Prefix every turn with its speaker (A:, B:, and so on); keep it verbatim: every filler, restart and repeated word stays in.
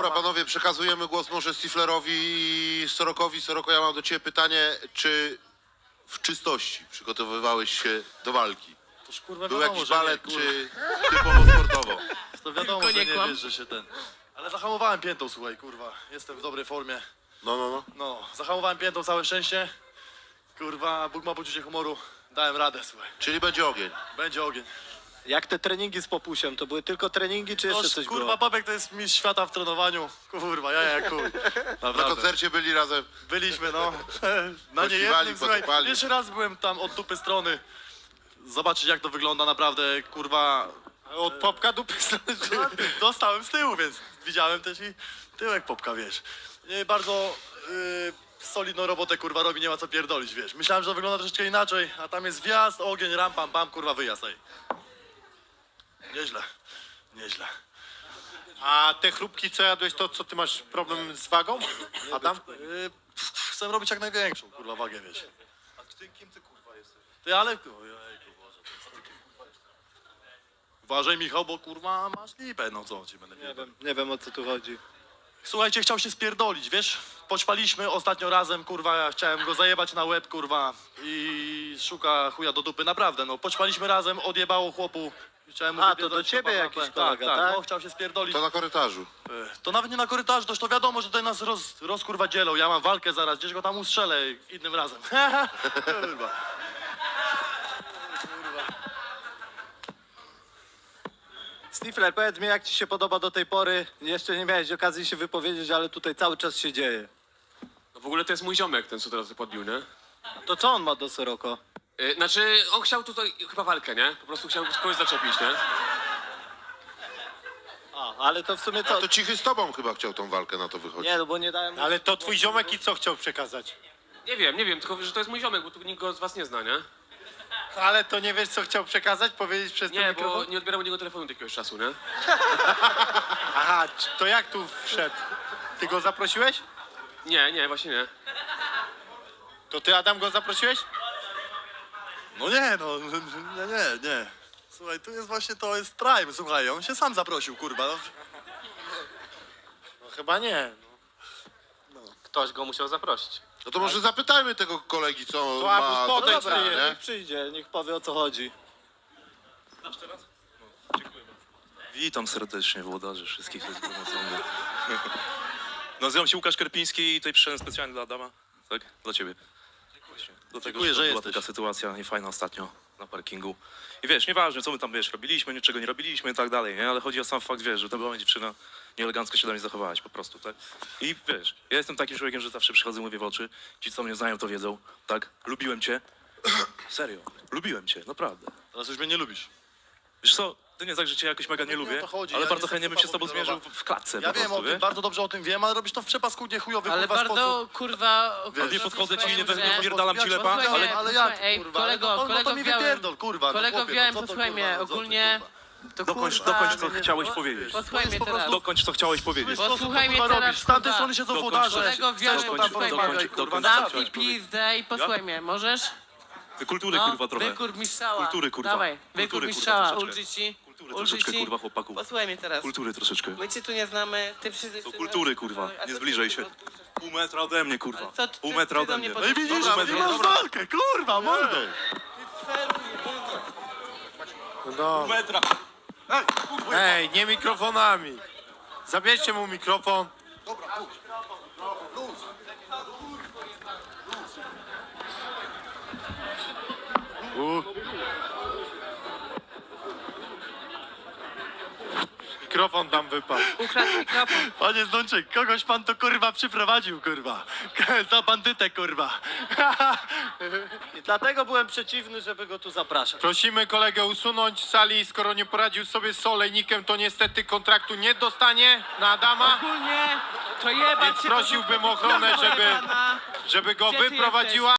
A: Dobra, panowie, przekazujemy głos może Stiflerowi i Sorokowi. Soroko, ja mam do ciebie pytanie, czy w czystości przygotowywałeś się do walki?
B: Toż kurwa
A: Był
B: wiadomo,
A: jakiś
B: że
A: balet,
B: nie,
A: czy typowo sportowo?
B: To wiadomo,
C: Tylko
B: że
C: nie
B: nie
C: kłam.
B: wiesz, że się ten... Ale zahamowałem piętą, słuchaj, kurwa. Jestem w dobrej formie.
A: No, no, no.
B: No, zahamowałem piętą, całe szczęście. Kurwa, Bóg ma poczucie humoru. Dałem radę, słuchaj.
A: Czyli będzie ogień.
B: Będzie ogień.
D: Jak te treningi z Popusiem, to były tylko treningi, czy jeszcze
B: Toż,
D: coś
B: kurwa,
D: było?
B: Babek to jest mistrz świata w trenowaniu. Kurwa, ja jak chuj.
A: Na
B: Naprawdę.
A: koncercie byli razem.
B: Byliśmy, no. Na
A: Pościwali,
B: niejednym, słuchaj.
A: potupali.
B: Pierwszy raz byłem tam od dupy strony. Zobaczyć, jak to wygląda naprawdę, kurwa.
D: Od Popka dupy
B: No, dostałem z tyłu, więc widziałem też i tyłek Popka, wiesz. Nie, bardzo yy, solidną robotę, kurwa, robi, nie ma co pierdolić, wiesz. Myślałem, że to wygląda troszeczkę inaczej, a tam jest wjazd, ogień, ram, pam, pam, kurwa, wyjazd, ej. Nieźle, nieźle.
D: A te chrupki, co jadłeś, to co, ty masz problem z wagą, Adam?
B: Yy, chcę robić jak największą, kurwa, wagę, wiesz. A ty, kim ty, kurwa, jesteś? Ty, ale... Ojejku, Boże, to jest... Uważaj, Michał, bo, kurwa, masz lipę, no co ci będę
D: Nie
B: pierdolił.
D: wiem, nie wiem o co tu chodzi.
B: Słuchajcie, chciał się spierdolić, wiesz? Poćpaliśmy ostatnio razem, kurwa, ja chciałem go zajebać na łeb, kurwa, i szuka chuja do dupy, naprawdę, no. Poćpaliśmy razem, odjebało chłopu. Chciałem mu
D: A, to
B: wypierdolić
D: do ciebie
B: chłopa na
D: jakiś
B: łeb.
D: kolega,
B: tak?
D: tak?
B: Tak, no, chciał się spierdolić.
A: To na korytarzu.
B: E, To nawet nie na korytarzu, toż to wiadomo, że tutaj nas roz, rozkurwa dzielą. Ja mam walkę zaraz, gdzieś go tam ustrzelę innym razem. Kurwa.
D: Stifler, powiedz mi, jak ci się podoba do tej pory? Jeszcze nie miałeś okazji się wypowiedzieć, ale tutaj cały czas się dzieje.
C: No w ogóle to jest mój ziomek, ten co teraz podbił, nie?
D: To co on ma do Soroko?
C: Yy, znaczy, on chciał tutaj chyba walkę, nie? Po prostu chciał kogoś zaczepić, nie?
D: A, ale to w sumie
A: A
D: co?
A: to Cichy z tobą chyba chciał tą walkę, na to wychodzi.
D: Nie, no bo nie dałem...
E: Ale to twój ziomek i co chciał przekazać?
C: Nie wiem, nie wiem, tylko że to jest mój ziomek, bo tu nikt go z was nie zna, nie?
E: Ale to nie wiesz, co chciał przekazać, powiedzieć przez ten
C: Nie,
E: mikrofon?
C: bo nie odbieram od niego telefonu od jakiegoś czasu, nie?
E: Aha, c- to jak tu wszedł? Ty go zaprosiłeś?
C: Nie, nie, właśnie nie.
E: To ty, Adam, go zaprosiłeś?
B: No nie, no, nie, nie, nie. Słuchaj, tu jest właśnie, to jest prime, słuchaj, on się sam zaprosił, kurwa. No.
E: No chyba nie.
D: Ktoś go musiał zaprosić.
A: No to może zapytajmy tego kolegi, co
E: To
A: ma
E: Abus,
A: do
E: podejdź,
A: powiedzenia,
E: ty,
A: nie?
D: Niech przyjdzie, niech powie o co chodzi.
F: Witam serdecznie włodarzy wszystkich zgromadzonych. Nazywam się Łukasz Kerpiński i tutaj przyszedłem specjalnie dla Adama. Tak? Dla ciebie. Właśnie. Dlatego,
B: Dziękuję, że
F: była
B: jesteś.
F: taka sytuacja niefajna ostatnio na parkingu. I wiesz, nieważne co my tam, wiesz, robiliśmy, niczego nie robiliśmy i tak dalej, nie? Ale chodzi o sam fakt, wiesz, że ta była dziewczyna nieelegancko się do mnie zachowałaś po prostu, tak? I wiesz, ja jestem takim człowiekiem, że zawsze przychodzę, mówię w oczy. Ci, co mnie znają, to wiedzą, tak? Lubiłem cię. Serio, lubiłem cię, naprawdę.
B: Teraz już mnie nie lubisz.
F: Wiesz co, to nie tak, że cię jakoś mega nie
B: Nie o
F: lubię,
B: to chodzi,
F: ale
B: ja
F: bardzo
B: nie
F: chętnie
B: jestem
F: bym się z tobą
B: typowo
F: zmierzył w- w klatce
B: Ja
F: po
B: wiem
F: prostu,
B: o tym,
F: wiesz?
B: bardzo dobrze o tym wiem, ale robisz to w przepaskunie chujowy,
G: Ale
B: kurwa,
G: bardzo,
B: sposób.
G: kurwa...
B: Wiesz,
G: okropny
F: Nie podchodzę ci, nie
G: sposób,
F: we-
G: że-
F: wpierdalam ci lepa,
G: Posłuchaj
F: ale...
G: mnie,
B: ale jak,
G: posłuchaj, ej,
B: kurwa,
G: kolego,
B: no to- no to
G: kolego
B: mi
G: w białym,
B: wypierdol, kurwa, no
G: kolego w
B: chłopie,
G: białym,
B: no co to,
G: posłuchaj
B: kurwa,
G: mnie,
B: no co ty,
G: ogólnie... To
F: Dokończ,
G: kurwa,
F: dokończ, co chciałeś powiedzieć.
G: Posłuchaj mnie
B: po prostu-
G: teraz.
F: Dokończ, co chciałeś powiedzieć.
G: Posłuchaj mnie
B: kurwa,
G: teraz,
B: robisz. Z tamtej
G: kurwa.
B: strony siedzą
F: Dokończ,
B: włodarze.
G: kolego w białym,
B: Chcesz to tam
G: posłuchaj mnie.
B: porozmawiać, kurwa,
F: dokończ,
B: na
G: Zamknij pizdę i posłuchaj mnie, możesz?
F: Ty kultury,
G: No,
F: kurwa, trochę.
G: wykur mi strzała.
F: Kultury, kurwa.
G: Dawaj,
F: Kultury,
G: wykur mi
F: kurwa,
G: strzała,
F: troszeczkę.
G: ulży ci.
F: Kultury
G: Ulży
F: troszeczkę,
G: ci.
F: kurwa, chłopaku.
G: Posłuchaj mnie teraz.
F: Kultury troszeczkę.
G: My cię tu nie znamy, ty przyjdziesz...
F: Do kultury, kurwa. Nie zbliżaj się. Pół metra ode mnie, kurwa.
G: Ale co ty-
F: Pół
G: ty-
F: metra
G: ty do
F: ode
G: mnie
F: mnie.
B: No i
G: podchodzisz?
B: widzisz,
F: Dobra,
B: ty
F: dobra,
B: masz
F: dobra.
B: walkę, kurwa, mordo.
E: No.
F: Metra.
E: Ej, nie mikrofonami. Zabierzcie mu mikrofon. U. Mikrofon tam wypadł.
G: Ukradł mikrofon.
B: Panie Zdączek, kogoś pan to kurwa przyprowadził, kurwa. Za bandytę, kurwa.
D: I dlatego byłem przeciwny, żeby go tu zapraszać.
E: Prosimy kolegę usunąć z sali. Skoro nie poradził sobie z olejnikiem, to niestety kontraktu nie dostanie na Adama.
G: Ogólnie to jebać
E: Więc
G: się
E: prosiłbym
G: do-
E: ochronę,
G: do-
E: żeby-
G: pana.
E: Żeby go
G: Gdzie ty
E: wyprowadziła.